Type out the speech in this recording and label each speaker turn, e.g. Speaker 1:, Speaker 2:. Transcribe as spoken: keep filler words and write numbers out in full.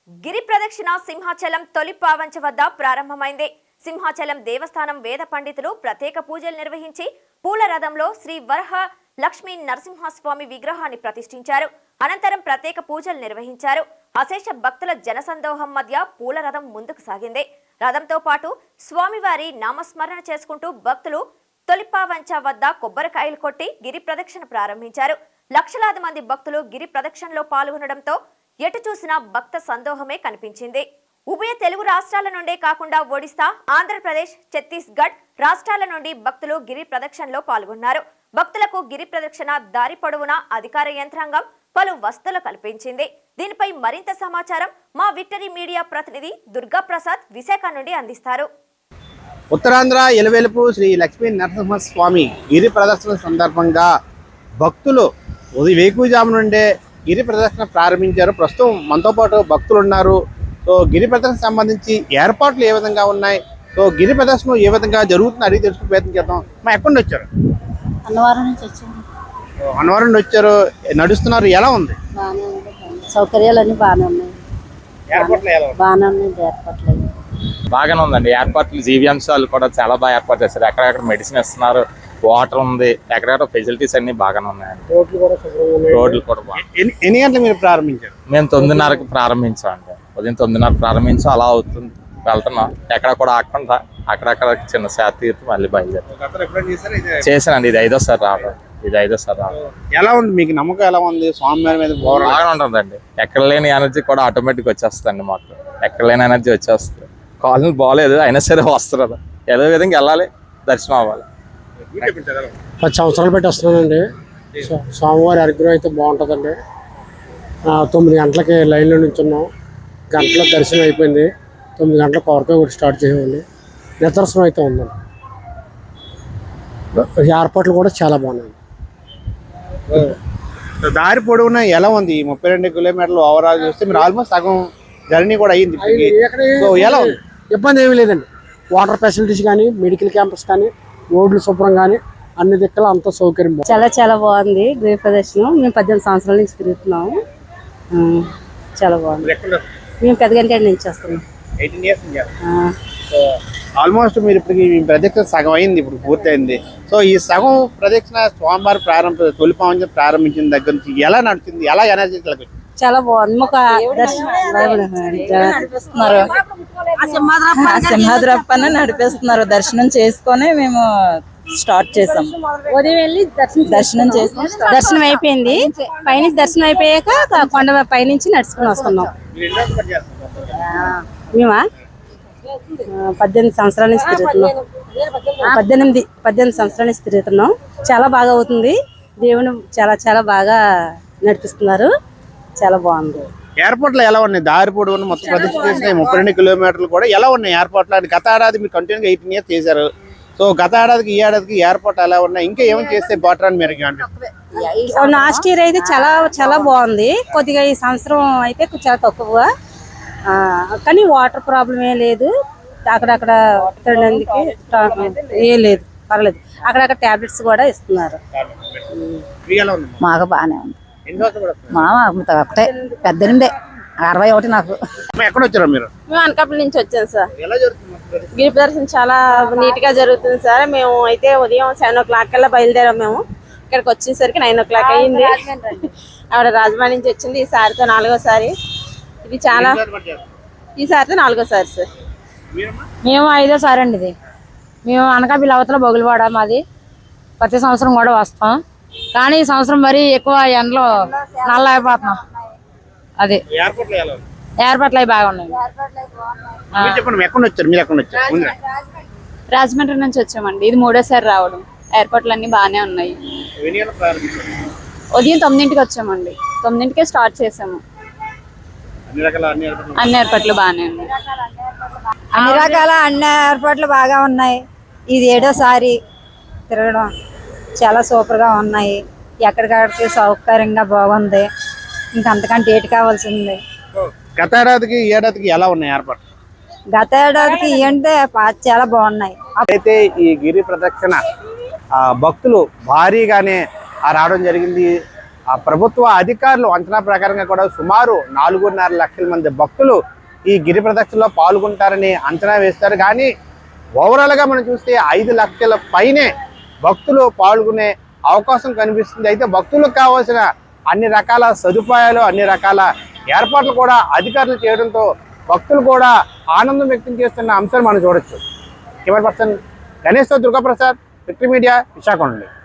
Speaker 1: గిరి ప్రదక్షిణ సింహాచలం తొలి పావంచ వద్ద ప్రారంభమైంది. సింహాచలం దేవస్థానం వేద పండితులు ప్రత్యేక పూజలు నిర్వహించి పూల రథంలో శ్రీ వరహ లక్ష్మీ నరసింహస్వామి విగ్రహాన్ని ప్రతిష్ఠించారు. అనంతరం ప్రత్యేక పూజలు నిర్వహించారు. అశేష భక్తుల జనసందోహం మధ్య పూల రథం ముందుకు సాగింది. రథంతో పాటు స్వామివారి నామస్మరణ చేసుకుంటూ భక్తులు తొలిపావంచ వద్ద కొబ్బరికాయలు కొట్టి గిరి ప్రదక్షిణ ప్రారంభించారు. లక్షలాది మంది భక్తులు గిరి ప్రదక్షిణలో పాల్గొనడంతో ఎటు చూసినా భక్త సందోహమే కనిపించింది. ఉభయ తెలుగు రాష్ట్రాల నుండే కాకుండా ఒడిశా, ఆంధ్రప్రదేశ్, ఛత్తీస్గఢ్ రాష్ట్రాల నుండి భక్తులు గిరి ప్రదక్షిణలో పాల్గొన్నారు. భక్తులకు గిరి ప్రదక్షిణ దారి పొడవునా అధికార యంత్రాంగం పలు వసతులు కల్పించింది. దీనిపై మరింత సమాచారం మా విక్టరీ మీడియా ప్రతినిధి దుర్గా ప్రసాద్ విశాఖ నుండి అందిస్తారు.
Speaker 2: ఉత్తరాంధ్ర ఎలవేలుపు శ్రీ లక్ష్మీ నరసింహస్వామి గిరి ప్రదర్శన సందర్భంగా భక్తులు ఉదయం వేకువజాము నుండే గిరి ప్రదర్శన ప్రారంభించారు. ప్రస్తుతం మనతో పాటు భక్తులు ఉన్నారు. సో గిరి ప్రదర్శన సంబంధించి ఏర్పాట్లు ఏ విధంగా ఉన్నాయి, సో గిరి ప్రదర్శన ఏ విధంగా జరుగుతుంది అడిగి తెలుసుకునే ప్రయత్నం చేద్దాం. మా ఎక్కడి నుంచి వచ్చారు?
Speaker 3: అన్నవరం నుంచి వచ్చాము.
Speaker 2: అన్నవరం నుండి వచ్చారు, నడుస్తున్నారు. ఎలా ఉంది?
Speaker 3: బాగానే ఉంది, సౌకర్యాలు అన్నీ బాగానే ఉన్నాయి.
Speaker 2: ఏర్పాట్లు ఎలా ఉన్నాయి?
Speaker 3: బాగానే ఉన్నాయి ఏర్పాట్లు.
Speaker 4: బాగానే ఉందండి. ఏర్పాట్లు జీవీఎంశాలు కూడా చాలా బాగా ఏర్పాటు చేస్తారు. ఎక్కడెక్కడ మెడిసిన్ ఇస్తున్నారు, వాటర్ ఉంది, ఎక్కడెక్కడ ఫెసిలిటీస్ అన్ని బాగానే ఉన్నాయండి. రోడ్లు కూడా బాగుంది.
Speaker 2: ఎన్ని గంటలు మీరు ప్రారంభించారు?
Speaker 4: మేము తొమ్మిదిన్నరకు ప్రారంభించామండి. ఉదయం తొమ్మిదిన్నర ప్రారంభించాం. అలా అవుతుంది, వెళ్తున్నాం. ఎక్కడ కూడా ఆకుండా అక్కడక్కడ చిన్న శాత తీర్పు మళ్ళీ బయలుదేరి చేశానండి. ఇది ఐదోసారి రావడం. ఇది ఐదోసారి రావడం.
Speaker 2: ఎలా ఉంది మీకు? నమ్మకం ఎలా ఉంది స్వామివారి మీద?
Speaker 4: బాగానే ఉంటుందండి. ఎక్కడ లేని ఎనర్జీ కూడా ఆటోమేటిక్ వచ్చేస్తుంది మాకు. ఎక్కడ లేని ఎనర్జీ వచ్చేస్తుంది. కాలనీ బాగలేదు అయినా సరే వస్తున్నారు. ఏదో విధంగా వెళ్ళాలి, దర్శనం అవ్వాలి.
Speaker 5: పది సంవత్సరాలు పెట్టి వస్తున్నానండి. స్వామివారి అనుగ్రహం అయితే బాగుంటుందండి. తొమ్మిది గంటలకి లైన్లో నుంచున్నాం. గంటల దర్శనం అయిపోయింది. తొమ్మిది గంటల కొరకాయ కూడా స్టార్ట్ చేయండి. నిదర్శనం అయితే ఉందండి. ఏర్పాట్లు కూడా చాలా బాగున్నాయి.
Speaker 2: దారి పొడవునా ఎలా ఉంది? ముప్పై రెండు కిలోమీటర్లు ఓవరాల్ చూస్తే మీరు ఆల్మోస్ట్ సగం జర్నీ కూడా అయ్యింది. ఎలా ఉంది?
Speaker 5: ఇబ్బంది ఏమీ లేదండి. వాటర్ ఫెసిలిటీస్ కానీ, మెడికల్ క్యాంపస్ కానీ, రోడ్లు శుభ్రం కానీ అన్ని దిక్కల అంత సౌకర్యం
Speaker 3: చాలా చాలా బాగుంది. గిరి ప్రదర్శనం మేము పద్దెనిమిది సంవత్సరాల నుంచి తిరుగుతున్నాము. చాలా బాగుంది. మేము పెద్దగంటి నుంచి వస్తున్నాం.
Speaker 2: ఆల్మోస్ట్ మీరు ఇప్పటికి ప్రదక్షిణ సగం అయింది, ఇప్పుడు పూర్తయింది. సో ఈ సగం ప్రదక్షిణ స్వామివారి ప్రారంభ తొలిపావంచ ప్రారంభించిన దగ్గర నుంచి ఎలా నడుస్తుంది? ఎలా ఎనర్జీ?
Speaker 3: చాలా బాగుంది. మాకు నడిపిస్తున్నారు, సింహాద్రప్పని నడిపిస్తున్నారు. దర్శనం చేసుకొని మేము స్టార్ట్ చేసాం. ఉదయం వెళ్ళి దర్శనం చేసి దర్శనం అయిపోయింది. పైనుంచి దర్శనం అయిపోయాక కొండ పైనుంచి నడుచుకుని వస్తున్నాం. మేమా పద్దెనిమిది సంవత్సరాల నుంచి తిరుగుతున్నాం. పద్దెనిమిది పద్దెనిమిది సంవత్సరాల నుంచి తిరుగుతున్నాం. చాలా బాగా అవుతుంది. దేవుని చాలా చాలా బాగా నడిపిస్తున్నారు. చాలా బాగుంది.
Speaker 2: ఏర్పాట్లు ఎలా ఉన్నాయి? దారి పొడవును మొత్తం ప్రదక్షిణ చేసిన ముప్పై రెండు కిలోమీటర్లు కూడా ఎలా ఉన్నాయి ఏర్పాట్లు? అని గత ఏడాది మీరు కంటిన్యూగా ఎయిటీన్ ఇయర్స్ చేశారు. సో గత ఏడాదికి ఈ ఏడాదికి ఏర్పాట్లు ఎలా ఉన్నాయి? ఇంకా ఏమైనా చేస్తే బెటర్ అని మీరు?
Speaker 3: లాస్ట్ ఇయర్ అయితే చాలా చాలా బాగుంది. కొద్దిగా ఈ సంవత్సరం అయితే చాలా తక్కువ, కానీ వాటర్ ప్రాబ్లం ఏం లేదు. అక్కడక్కడ తినడానికి ఏం లేదు, పర్లేదు. అక్కడక్కడ టాబ్లెట్స్ కూడా ఇస్తున్నారు.
Speaker 6: మాకు బాగానే ఉంది. మా ఒకటే పద్దెనిమిదే అరవై ఒకటి. నాకు
Speaker 2: ఎక్కడ వచ్చారా మీరు?
Speaker 7: మేము అనకాపల్లి నుంచి వచ్చాం సార్. గిరి ప్రదర్శన చాలా నీట్ గా జరుగుతుంది సార్. మేము అయితే ఉదయం సెవెన్ ఓ క్లాక్ కల్లా బయలుదేరాం. మేము ఇక్కడికి వచ్చేసరికి నైన్ ఓ క్లాక్ అయ్యింది. ఆవిడ రాజమండ్రి నుంచి వచ్చింది. ఈ సారితో నాలుగోసారి. ఇది చాలా ఈ సారితో నాలుగోసారి సార్.
Speaker 6: మేము ఐదోసారి అండి. ఇది మేము అనకాపల్లి అవతల బొగులవాడ మాది. ప్రతి సంవత్సరం కూడా వస్తాం, కానీ ఈ సంవత్సరం మరీ ఎక్కువ ఎండలో నల్ల అయిపోతున్నాం. అది ఏర్పాట్లు అవి బాగా ఉన్నాయి.
Speaker 7: రాజమండ్రి నుంచి వచ్చామండి. ఇది మూడోసారి రావడం. ఏర్పాట్లు అన్ని బాగానే ఉన్నాయి. ఉదయం తొమ్మిదింటికి వచ్చామండి. తొమ్మిదింటికే స్టార్ట్ చేసాము. అన్ని ఏర్పాట్లు బాగానే ఉన్నాయి.
Speaker 8: అన్ని రకాల అన్ని ఏర్పాట్లు బాగా ఉన్నాయి. ఇది ఏడోసారి తిరగడం. చాలా సూపర్గా ఉన్నాయి. ఎక్కడికక్కడికి సౌకర్యంగా బాగుంది. ఇంకా అంతకంటే ఏటి కావాల్సింది.
Speaker 2: గత ఏడాదికి ఈ ఏడాదికి ఎలా ఉన్నాయి ఏర్పాట్లు?
Speaker 8: గత ఏడాదికి అంటే చాలా బాగున్నాయి.
Speaker 2: అయితే ఈ గిరి ప్రదక్షిణ భక్తులు భారీగానే రావడం జరిగింది. ఆ ప్రభుత్వ అధికారులు అంచనా ప్రకారంగా కూడా సుమారు నాలుగున్నర లక్షల మంది భక్తులు ఈ గిరి ప్రదక్షిణలో పాల్గొంటారని అంచనా వేస్తారు. కానీ ఓవరాల్గా మనం చూస్తే ఐదు లక్షల పైనే భక్తులు పాల్గొనే అవకాశం కనిపిస్తుంది. అయితే భక్తులకు కావాల్సిన అన్ని రకాల సదుపాయాలు అన్ని రకాల ఏర్పాట్లు కూడా అధికారులు చేయడంతో భక్తులు కూడా ఆనందం వ్యక్తం చేస్తున్న అంశాలు మనం చూడొచ్చు. Camera person Ganesh Durgaprasad, victory media, Visakha నుండి.